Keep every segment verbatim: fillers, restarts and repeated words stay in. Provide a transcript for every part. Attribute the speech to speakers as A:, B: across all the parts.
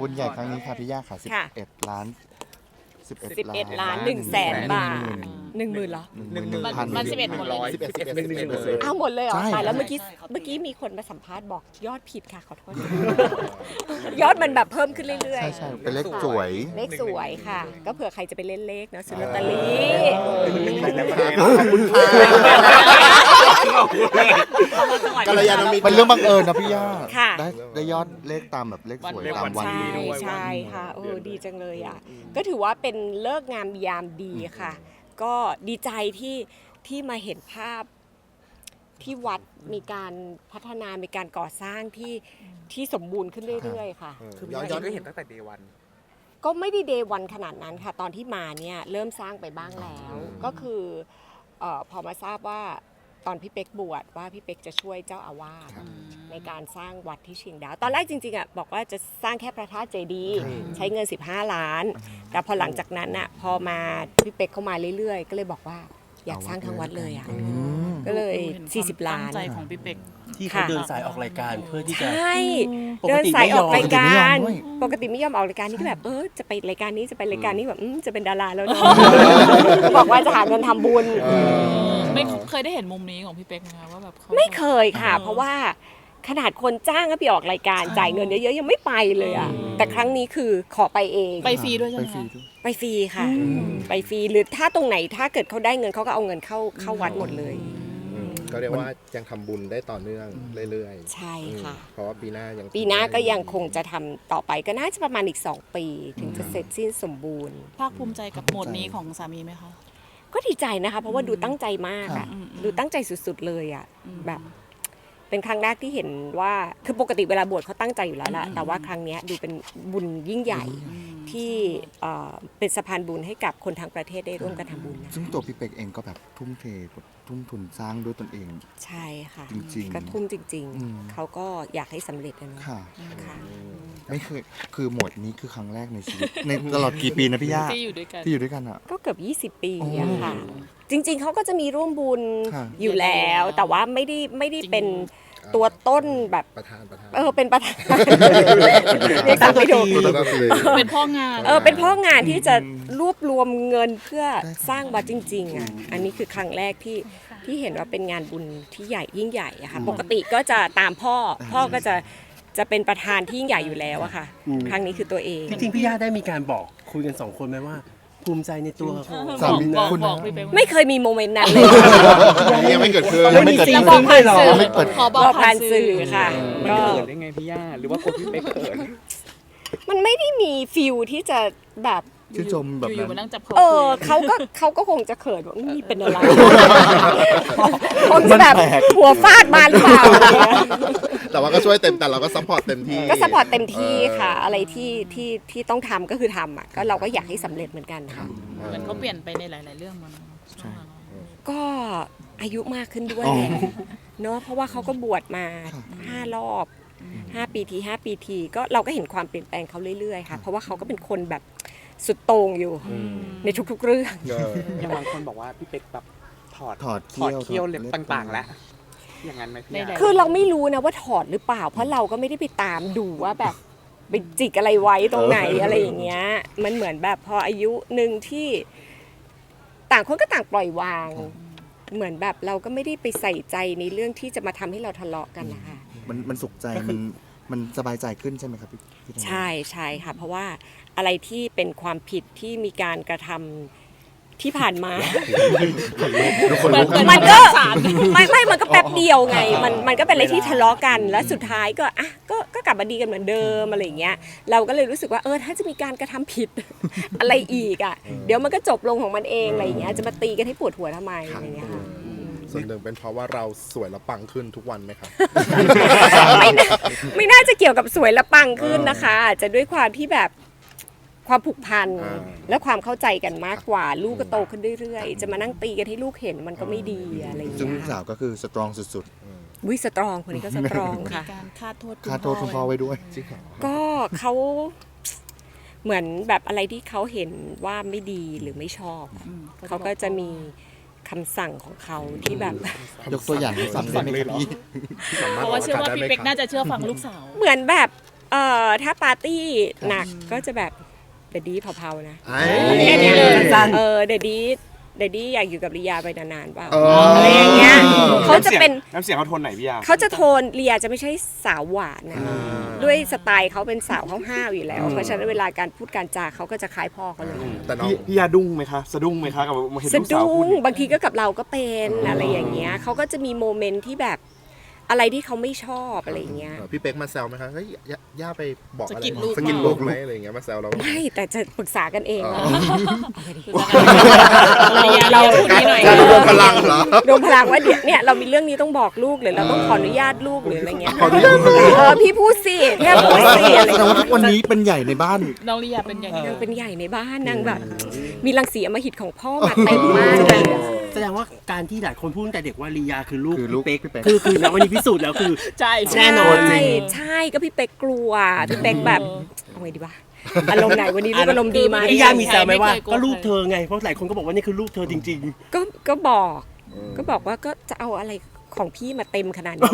A: บุญใหญ่ครั้งนี้ค่ะพี่ย่าค่ะสิบเอ็ดล้านสิบเอ็ด
B: สิบเอ็ดล้านหนึ่งแสนบาทหนึ่งหมื่นเหรอ
A: หนึ่งหมื่นพัน
C: มันสิบเอ็ดหมดเลย
A: สิบเอ็ดสิบเอ็ดสิบเอ็ดเลย
B: อ้าวหมดเลยเหรอ
A: ใช่
B: ตายแล้วเมื่อกี้เมื่อกี้มีคนมาสัมภาษณ์บอกยอดผิดค่ะขอโทษ ยอดมันแบบเพิ่มขึ้นเรื่อย
A: ใช่ใช่เป็นเลขสวย
B: ๆ เลขสวยค่ะ ก็เผื่อใครจะไปเล่นเลขเนาะซื้อลอตเตอรี่
A: กัลยาณมิตรเป็นเรื่องบังเอิญนะพี่ย่า
B: ค่ะ
A: ได้ได้ยอดเลขตามแบบเลขสวยตามวัน
B: ใช่
A: นี้ด้วย
B: ใช่ค่ะเออดีจังเลยอ่ะก็ถือว่าเป็นเลิกษ์งามยามดีค่ะ ก็ดีใจที่ที่มาเห็นภาพที่วัดมีการพัฒนามีการก่อสร้างที่ที่สมบูรณ์ขึ้นเรื่อยๆค่ะ
D: คือย้อนย้อนก็เห็นตั้งแต่เดวัน
B: ก็ไม่ได้เดย์วันขนาดนั้นค่ะ ตอนที่มาเนี่ยเริ่มสร้างไปบ้างแล้ว ก็คือเออพอมาทราบว่าตอนพี่เป๊กบวชว่าพี่เป๊กจะช่วยเจ้าอาวาสในการสร้างวัดที่เชียงดาวตอนแรกจริงๆอ่ะบอกว่าจะสร้างแค่พระธาตุเจดีย์ใช้เงินสิบห้าล้าน แต่พอหลังจากนั้นอ่ะพอมาพี่เป๊กเข้ามาเรื่อยๆ ก็เลยบอกว่าอยากสร้างทั้งวัดเลยอ่ะก็เลยสี่สิบล้าน
C: ตั้งใจของพี่เป็ก
E: ที่เขาเดินสายออกรายการเพื่อที่จะ
B: ใช่
E: ปก
B: เดิน
E: ติ
B: สาย
E: ไม่
B: อย
E: อ
B: อ
E: ม
B: กรายการ
A: ด้วย
B: ปกติไม่ยอมออกรายการนี่ก็แบบเออจะไปรายการนี้จะไปรายการนี้แบบอืมจะเป็นดาราแล้วเนอะบอกว่าจะหาเงินทำบุญ
C: ไม่เคยได้เห็นมุมนี้ของพี่เป็กไหมคะว่าแบบเขา
B: ไม่เคยค่ะ เพราะว่าขนาดคนจ้างก็ไปออกรายการจ่ายเงินเยอะๆยังไม่ไปเลยอ่ะแต่ครั้งนี้คือขอไปเอง
C: ไปฟรีด้วยใช่
A: ไป
C: ไหม
A: ฟรี
C: คะ
A: ด้วย
B: ไปฟรีค่ะ ไปฟรีหรือถ้าตรงไหนถ้าเกิดเขาได้เงินเขาก็เอาเงินเข้าเข้าวัดหมดเลย
D: ก็เรียกว่ายังทำบุญได้ต่อเนื่องเรื่อย
B: ใช่ค่ะ
D: ๆ เพราะว่าปีหน้ายัง
B: ปีหน้าก็ยังคงจะทำต่อไปก็น่าจะประมาณอีกสองปีถึงจะเสร็จสิ้นสมบูรณ์
C: ภาคภูมิใจกับโหมดนี้ของสามีไหมคะ
B: ก็ดีใจนะคะ เพราะว่าดูตั้งใจมากอะ
C: อืมอืม
B: ดูตั้งใจสุดๆเลยอะ
C: อืม
B: แบบ เป็นครั้งแรกที่เห็นว่าคือปกติเวลาบวชเขาตั้งใจอยู่แล้วล่ะแต่ว่าครั้งเนี้ยดูเป็นบุญยิ่งใหญ่ที่เอ่อเป็นสะพานบุญให้กับคนทั้งประเทศได้ร่วมกันทำบุญนะ
A: ซึ่งตัวพี่เป็กเองก็แบบทุ่มเทแบบทุ่มทุนสร้างด้วยตนเอง
B: ใช่ค่ะ
A: จริงๆ
B: ก็ทุ่มจริง
A: อืม
B: ๆ เขาก็อยากให้สำเร็จนะเนอะ
A: ค่ะ
B: ค่ะ
A: ไม่เคยคือหมวดนี้คือครั้งแรกในชีวิต ในตลอดกี่ปีนะพี่ย่า
C: ที่อยู่ด้วยกัน
A: ที่อยู่ด้วยกันอ่ะ
B: ก็เกือบยี่สิบ ปี
A: โอ้
B: อะค่ะ จริง ๆ เขาก็จะมีร่วมบุญ
A: ค่ะ
B: อยู่แล้ว แต่ว่าไม่ได้ไม่ได้เป็นตัวต้นแบบ
D: ประธานประธาน
B: เออเป็นประธานเรียกตามไม่ถูก
D: ก็คือ
C: เป็นพ่องาน
B: เออเป็นพ่องานที่จะรวบรวมเงินเพื่อสร้างวัดจริงๆอ่ะอันนี้คือครั้งแรกที่ที่เห็นว่าเป็นงานบุญที่ใหญ่ยิ่งใหญ่อะค่ะปกติก็จะตามพ่อพ่อก็จะจะเป็นประธานที่ยิ่งใหญ่อยู่แล้วอะค่ะ ครั้งนี้คือตัวเอง
E: จริงๆพี่ย่าได้มีการบอกคุยกันสองคนไหมว่า ภูมิใจในตัว
A: สามี
C: บอก
A: คุณ
C: บอกพี่เป็กว่า
B: ไม่เคยมีโมเมนต์นั้นเลย
D: ยังไม่เกิดขึ้น
A: ยังไม่เกิด
E: ซี
A: ขึ้น
E: ซึ้งเลยเหรอ
A: ยังไม่เปิด
C: ขอบบ อ
B: อก ก
C: ผ่า
B: ผ่าน น
C: สื่
B: สื่
C: อ
B: อค่ะ
F: มัน
B: ก็
F: เขินได้ไงพี่ย่าหรือว่าคนพี่เป๊กเขิน
B: มันไม่ได้มีฟิลที่จะแบบ
A: ชื่นชมแบบ
C: อยู่ๆมา
A: นั้
C: นั่
A: น
C: งจับคอ
B: เออ
C: คุย
B: เขาก็เขาก็คงจะเขินว่านี่เป็นอะไรคงจะแบบ
A: มันแปลก
B: หัวฟาดมาหรือเปล่าอะไรเงี้ย
D: แต่ว่าก็ช่วยเต็มแต่เราก็ซัพพอร์ตเต็มที่
B: ก็สปอร์ตเต็มที่ค่ะ อะไรที่ที่ที่ต้องทำก็คือทำอ่ะก็เราก็อยากให้สำเร็จเหมือนกันค่ะ
C: เหมือนเขาเปลี่ยนไปในหลาย ๆ เรื่องมัน
B: ก็อายุมากขึ้นด้วย
A: อ๋อ
B: แหละเนาะเพราะว่าเขาก็บวชมาห้ารอบห้าปีทีห้าปีทีก็เราก็เห็นความเปลี่ยนแปลงเขาเรื่อยๆค่ะ เพราะว่าเขาก็เป็นคนแบบสุดโต่งอยู่ในทุกๆเรื่อง
D: เออ
F: อย่างบางคนบอกว่าพี่เป๊กแบบถอด
A: ถอด
F: ถอด
A: เขี้
F: เขี้
A: ย
F: ยว วเล็บต่างๆ แล้ว อย่างนั้นไหมพี่ย่า
B: คือเราไม่รู้นะว่าถอดหรือเปล่า เพราะเราก็ไม่ได้ไปตามดูว่าแบบไปจิกอะไรไว้ตรงไหนอะไรอย่างเงี้ยมันเหมือนแบบพออายุหนึ่งที่ต่างคนก็ต่างปล่อยวาง เหมือนแบบเราก็ไม่ได้ไปใส่ใจในเรื่องที่จะมาทำให้เราทะเลาะกันนะคะ
A: มันมันสุขใจมันมันสบายใจขึ้นใช่ไหมครับพี่พี่ธนา
B: ใช่ใช่ค่ะ เพราะว่าอะไรที่เป็นความผิดที่มีการกระทำที่ผ่านมา
C: เหมือนเหมือน
B: มันก็
C: สาร
B: ไม่ไม่มันก็แป๊บเดียวไง มันมันก็เป็นอะไรที่ทะเลาะกัน แล้วสุดท้ายก็อ่ะก็ก็กลับมาดีกันเหมือนเดิมอะไรอย่างเงี้ย เราก็เลยรู้สึกว่าเออถ้าจะมีการกระทำผิด อะไรอีกอ่ะ เดี๋ยวมันก็จบลงของมันเองอะไรอย่างเงี้ย จะมาตีกันให้ปวดหัวทำไมอะไรอย่างเงี้ยค่ะ
D: ส่วนหนึ่งเป็นเพราะว่าเราสวยและปังขึ้นทุกวันไหมครับ
B: ไม่น่าไม่น่าจะเกี่ยวกับสวยและปังขึ้นนะคะอาจจะด้วยความที่แบบความผูกพัน
D: อ่า
B: และความเข้าใจกันมากกว่าลูกก็โตขึ้นเรื่อยๆ จะมานั่งตีกันให้ลูกเห็นมันก็ไม่ดีอะไรอย่าง
A: ซึ่ง
B: เงี้
A: ลู
B: ย
A: กสาวก็คือสตรองสุด
B: วิสตรองคนนี้ก็สตรอง
C: มี
B: ค่ะ
C: การคาดโทษ
A: ๆค่าโทษคุณพ่อไว้ด้วย
D: จริงเหรอ
B: ก็เขาเหมือนแบบอะไรที่เขาเห็นว่าไม่ดีหรือไม่ชอบอะเขาก็จะมีคำสั่งของเขาที่แบบ
A: ยกตัวอย่างให้ฟังได้ไหมครับพี่
C: เพราะว่าเชื่อว่าพี่เป็กน่าจะเชื่อฟังลูกสาว
B: เหมือนแบบเอ่อถ้าปาร์ตี้หนักก็จะแบบเดดดี้เผาๆนะ
A: ไอ้
B: แค่นี้เลย
E: สั้น
B: เออเดดดี้เดดดี้อยากอยู่กับลียาไปนานๆเปล่า
A: เออ
B: อะไรอย่างเงี้ยเขาจะเป็น
F: น้ำเสียงเขาโทนไหนพี่ยา
B: เขาจะโทนลียาจะไม่ใช่สาวหวานนะด้วยสไตล์เขาเป็นสาวห้าวๆอยู่แล้ว เพราะฉะนั้นเวลาการพูดการจาเขาก็จะคล้ายพ่อเขาเลย
D: แต่น้อง
F: พี่พี่ยาดุ้งไหมคะสะดุ้งไหมคะกับเห็น
B: สะ
F: ลูกสาว
B: ดุ้
F: พู
B: ง
F: ด
B: บางทีก็กับเราก็เป็นอะไรอย่างเงี้ยเขาก็จะมีโมเมนต์ที่แบบอะไรที่เขาไม่ชอบอะไรอย่างเงี้ย
D: เออพี่เป๊กมาแซวไหมคะเฮ้ยย่าย่าไปบอกอะไร
C: สะกิดลูก
D: สะกิดลูกไหมอะไรอย่างเงี้ยมาแซวเรา
B: ไม่แต่จะปรึกษากันเองว่า
C: เราเราพูดนี้หน่อย
A: จะรวมพลังเหรอ
B: รวมพลังว่าเดี๋ยวเนี่ยเรามีเรื่องนี้ต้องบอกลูกหรือเราต้องขออนุญาตลูกหรืออะไรเงี้ย
A: ขออนุญาต
B: เออพี่พูดสิแค่พูดสิอะไร
A: แสดง
B: เงี้ย
A: ว่าทุกวันนี้เป็นใหญ่ในบ้าน
C: น้องลียาเป็นอย่างนี้
B: นางเป็นใหญ่ในบ้านนางแบบ มีรังสีอำมหิตของพ่อมาเต็มมากเลย
E: แสดงว่าการที่หลายคนพูดตั้งแต่เด็กว่าลียาคือลูก
A: คือลูก
E: พี่เป๊ก
A: พี่เป๊ก
E: คือคือนะวันนี้พิสูจน์แล้วคือ
C: ใช่
E: แน่นอน
B: ใช่ใช่ก็พี่เป๊กกลัวพี่เป๊กแบบเอาไงดีวะอารมณ์ไหนวันนี้ลูกอารมณ์ดีไหม
E: พี่ย่ามีแซวไหมว่าก็ลูกเธอไงเพราะหลายคนก็บอกว่านี่คือลูกเธอจริง
B: ก็ก็บอก ก็บอกว่าก็จะเอาอะไรของพี่มาเต็มขนาดนี้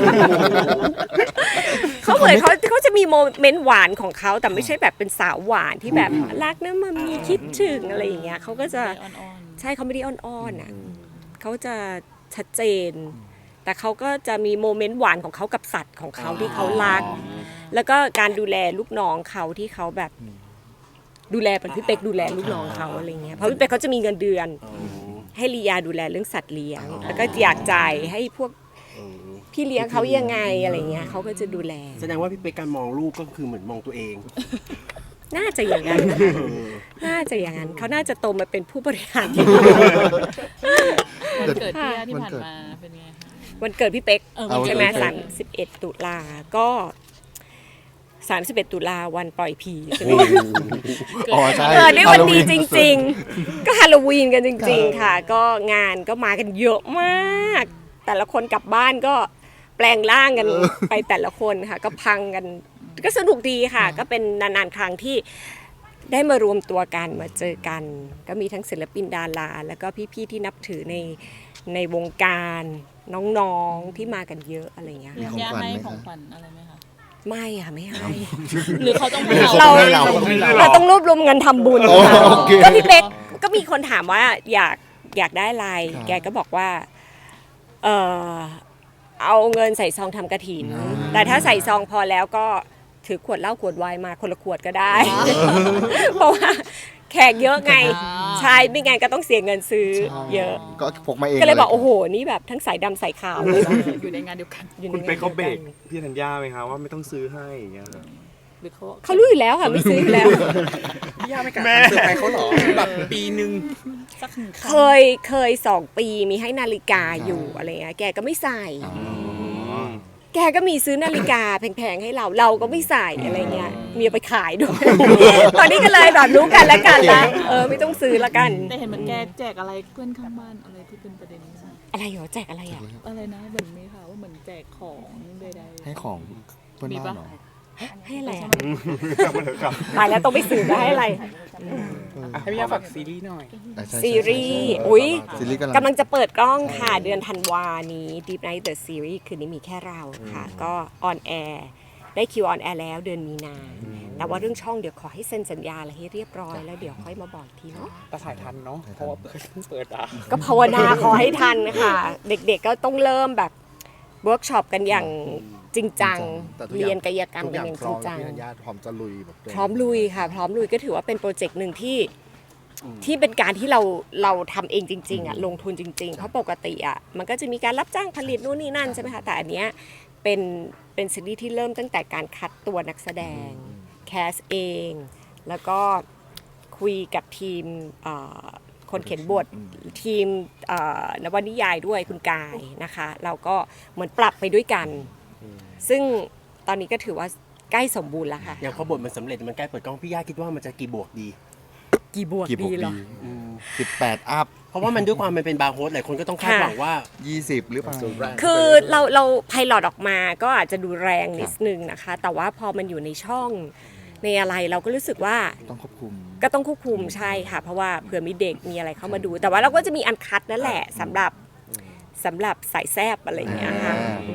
B: เขาเหมือนเขาเขาจะมีโมเมนต์หวานของเขาแต่ไม่ใช่แบบเป็นสาวหวานที่แบบรักนะมามีคิดถึงอะไรอย่างเงี้ยเขาก็จะ
C: อ่อน
B: ใช่เขาไม่ได้อ้อนๆอ่ะเขาจะชัดเจน แต่เขาก็จะมีโมเมนต์หวานของเขากับสัตว์ของเขาที่เขารัก แล้วก็การดูแลลูกน้องเขาที่เขาแบบดูแลเป็นพี่เป๊กดูแลลูกน้องเขาอะไรเงี้ยเพราะพี่เป๊กเขาจะมีเงินเดือน ให้ลียาดูแลเรื่องสัตว์เลี้ยง แล้วก็อยากจ่ายให้พวกพี่เลี้ยงเขายังไงอะไรเงี้ยเขาก็จะดูแล
E: ๆ แสดงว่าพี่เป๊กการมองลูกก็คือเหมือนมองตัวเอง
B: น่าจะอย่างนั้นนะคะน่าจะอย่างนั้นเขาน่าจะโตมาเป็นผู้บริหารที่ดี
C: ๆวันเกิดพี่ยาที่ผ่านมาเป็นไงคะ
B: วันเกิดพี่เป๊ก
C: เออ
B: ใช่ไหม
C: วันเกิด
B: สามสิบเอ็ดตุลาก็สามสิบเอ็ดตุลาวันปล่อยผีใช่ไหม
A: อ๋อใช่
B: เออได้วันดีจริง ๆ ก็ฮาโลวีนกันจริง ๆ ค่ะ ก็งานก็มากันเยอะมาก แต่ละคนกลับบ้านก็แปลงร่างกันไปแต่ละคนค่ะ ก็พังกัน ก็สนุกดีค่ะ ก็เป็นนานๆครั้งที่ได้มารวมตัวกันมาเจอกัน ก็มีทั้งศิลปินดาราแล้วก็พี่ๆที่นับถือในในวงการน้องๆที่มากันเยอะอะไรอย่างเงี้ย
A: มี
B: ค่ะ
A: ของ
C: ย่า
A: ขวัญ
C: ให้
A: ไหม
C: ของ
A: คะ
C: ขวัญอะไรไหมคะ
B: ไม่ค่ะไม่ให้
C: หรือเขาต้องให้
B: เรา
C: เรา
B: เราต้องรวบรวมเงินทำบุญ
A: โอเค
B: ก็พี่เป๊กก็มีคนถามว่าอยากอยากได้อะไร
A: ครับ
B: แกก็บอกว่าเออเอาเงินใส่ซองทำกระถิน แต่ถ้าใส่ซองพอแล้วก็ถือขวดเหล้าขวดไวน์มาคนละขวดก็ได้ เพราะว่าแขกเยอะไงใช่ไม่งั้นก็ต้องเสียเงินซื้อเยอะ
A: ก็พกมาเอง
B: ก็เลยบอกโอ้โหนี่แบบทั้งสายดำสายขาวเลย
C: อยู่ในงานเดียวกัน
B: อยู่ใน
F: คุณเป๊กเขาเบรก
B: งานดียว
F: พี่ธัญญาไหมคะว่าไม่ต้องซื้อให้อย่างเงี้ย
C: หรือเขา
B: กันเขารู้อยู่แล้วค่ะไม่ซื้ออยู่แล้ว
F: พี่ยาไม่กล้าซื้อให้เขาหรอแบบปีหนึ่ง
C: สักหนึ่ง
B: เคยเคยสองปีมีให้นาฬิกาอยู่อะไรเงี้ยแกก็ไม่ใส่ แกก็มีซื้อนาฬิกาแพงๆให้เราเราก็ไม่ใส่อะไรเงี้ยมีเอาไปขายด้วย ตอนนี้ก็เลยแบบรู้กันแล้วกันละเออไม่ต้องซื้อละกัน
C: แต่เห็นเหมือนแกแจกอะไรเพื่อนข้างบ้านอะไรที่เป็นประเด็นนี้
B: อะไรเหรอแจกอะไรอ่ะ
C: อะไรนะเหมือนมีค่ะว่าเหมือนแจกของใดๆ
A: ให้ของเพื่อนบ้านเหรอ
B: ให้อะไรอ่ะตายแล้วต้องไปสืบว่าให้อะไร
F: ให้พี่ยาฝากซีรีส์หน่อย
A: อ่ะใช่
B: ซีรีส์อุ้ย
A: ซีรีส์
B: กำลังจะเปิดกล้องค่ะเดือนธันวานี้ Deep Night The Series คืนนี้มีแค่เราค่ะ ก็ออนแอร์ได้คิวออนแอร์แล้วเดือนมีนา แต่ว่าเรื่องช่องเดี๋ยวขอให้เซ็นสัญญาอะไรให้เรียบร้อยแล้วเดี๋ยวค่อยมาบอกอีกทีเนาะ
F: แต่ถ่ายทันเนาะเพราะว่าเพิ่งเปิดอ่ะ
B: ก็ภาวนาขอให้ทันค่ะ เด็กๆก็ต้องเริ่มแบบเวิร์กช็อปกันอย่างจริงจัง
D: แต่ทุกอ
B: เรี
D: ย่าง
B: ยนกายกรรม
D: ทุก
B: กั
D: อน ย่า
B: อง ย่าง
D: พ
B: จ
D: ร้
B: ริ
D: อง ม
B: จัง
D: พี่ธัญญาพร้อมจะลุยแบบเต็
B: พร้อมลุยค่ะ พร้อมลุยก็ถือว่าเป็นโปรเจกต์หนึ่งที่ที่เป็นการที่เราเราทำเองจริงๆอ่ะลงทุนจริง ๆ เพราะปกติอ่ะมันก็จะมีการรับจ้างผลิตนู่นนี่นั่นใช่ไหมคะแต่อันเนี้ยเป็นเป็นซีรีส์ที่เริ่มตั้งแต่การคัดตัวนักแสดงแคสเอง แล้วก็คุยกับทีมเอ่อคนเขียนบททีมเอ่อนวนิยายด้วยคุณกายนะคะ เราก็เหมือนปรับไปด้วยกัน ซึ่งตอนนี้ก็ถือว่าใกล้สมบูรณ์แล้วค่ะ
E: อย่างพอบทมันสำเร็จมันใกล้เปิดกล้องพี่ย่าคิดว่ามันจะกี่บวกดี
B: กี่บวก
A: กี่บวก
B: ดีเหร
A: ดี
B: อ
A: สิบแปดอัพ
E: เพราะว่ามันด้วยความมันเป็นบาร์โฮสหลายคนก็ต้องคาดหวังว่า
A: ยี่สิบหรือเปล่า
D: สูตรแรก
B: คือเราเราไพลอตออกมาก็อาจจะดูแรงนิดนึงนะคะ แต่ว่าพอมันอยู่ในช่องในอะไรเราก็รู้สึกว่า
A: ต้องควบคุม
B: ก็ต้องควบคุมใช่ค่ะ เพราะว่าเผื่อมีเด็กมีอะไรเข้ามาดู แต่ว่าเราก็จะมีอันคัดนั่นแหละสำหรับสำหรับสายแซบอะไรอย่างเงี้ยค่ะ
A: อ่า
B: อืม
D: ใน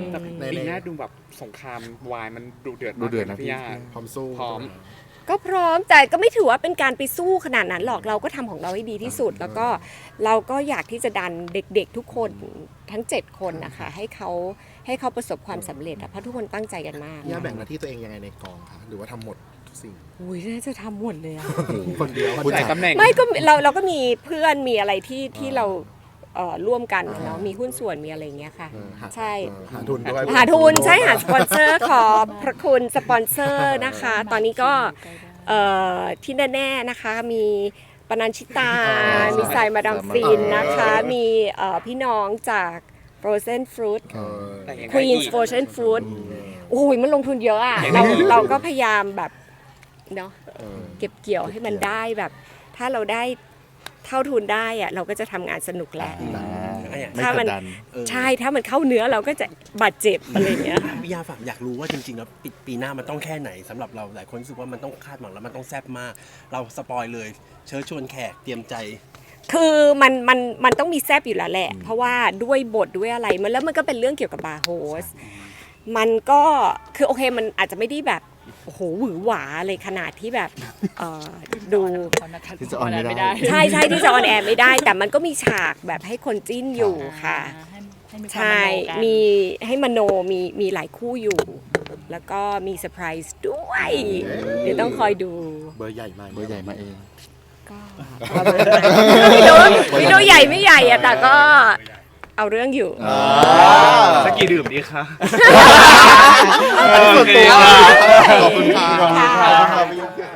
F: ปีหน้าดูแบบสงครามวายมันดุเดือด
A: ดู
F: มาก
A: เดือดนะ
F: พี่
A: พี่
F: ย่า
D: พร้อมสู้
F: พร้อม
B: ก็พร้อมแต่ก็ไม่ถือว่าเป็นการไปสู้ขนาดนั้นหรอกเราก็ทำของเราให้ดีที่สุด แล้วก็เราก็อยากที่จะดันเด็กๆทุกคนทั้งเจ็ดคนนะคะให้เขาให้เขาประสบความสำเร็จอะเพราะทุกคนตั้งใจกันมาก
D: ย่าแบ่งหน้าที่ตัวเองยังไงในกองคะหรือว่าทำหมดทุกสิ่ง
B: อุ้ยน่าจะทำหมดเลยอะ
D: คนเดียว
F: หลายตำแหน่ง
B: ไม่ก็เราเราก็มีเพื่อนมีอะไรที่ที่เราเอ่อร่วมกันเนาะมีหุ้นส่วนมีอะไรอย่างเงี้ยค่ะ
D: เออหา
B: ใช่
D: เออหาทุนด้วย
B: หาทุนใช่หาสปอนเซอร์ขอบพระคุณสปอนเซอร์นะคะ ตอนนี้ก็เอ่อที่แน่ๆนะคะมีปนัญชิตา มีสายมาดามฟินนะคะ มีเอ่อพี่น้องจาก Frozen Fruit
D: เออ
F: แต่ยังไง
B: Queen's
F: อีก
B: Frozen Fruit โอ้ยมันลงทุนเยอะอ่ะเราเราก็พยายามแบบเนาะ
D: เออ
B: เก็บเกี่ยวให้มันได้แบบ ถ้าเราได้เท่าทุนได้อะเราก็จะทำงานสนุกแหละ
A: ไม่
B: ถ้าก มั
A: ด
B: น
A: ดัน
E: เออ
B: ใช่ถ้ามันเข้าเนื้อเราก็จะบาดเจ็บอะไรอย่างเงี้ย
E: พี่ยาฝากอยากรู้ว่าจริงๆแล้วปีปีหน้ามันต้องแค่ไหนสำหรับเราหลายคนรู้สึกว่ามันต้องคาดหวังแล้วมันต้องแซ่บมาก เราสปอยเลย เชิญชวนแขกเตรียมใจ
B: คือมันมันมันต้องมีแซบอยู่แล้วแหละ เพราะว่าด้วยบทด้วยอะไรมันแล้วมันก็เป็นเรื่องเกี่ยวกับบาร์โฮสมันก็คือโอเคมันอาจจะไม่ได้แบบโอ้โหหวือหวาเลยขนาดที่แบบเอ่อดู
A: ที่จะออนไม่ได้
B: ใช่ใช่ที่จะออนแอร์ไม่ได้ แต่มันก็มีฉากแบบให้คนจิ้นอยู่ค่ะ
C: ให้ให้มีความ
B: ใช่
C: มโนกัน
B: มีให้มโนมีมีหลายคู่อยู่ แล้วก็มีเซอร์ไพรส์ด้วย เดี๋ยวต้องคอยดู
D: เบอร์ใหญ่มาก
A: เบอร์ใหญ่มาเอง
B: ก็ไม่รู้ไม่รู้ใหญ่ไม่ใหญ่อะแต่ก็เอาเรื่องอยู่
F: สักกี่ดื่มดีคะ
A: ส่วนตัวขอบคุณค่ะ
B: ค่ะ
A: ขอบคุณค่ะ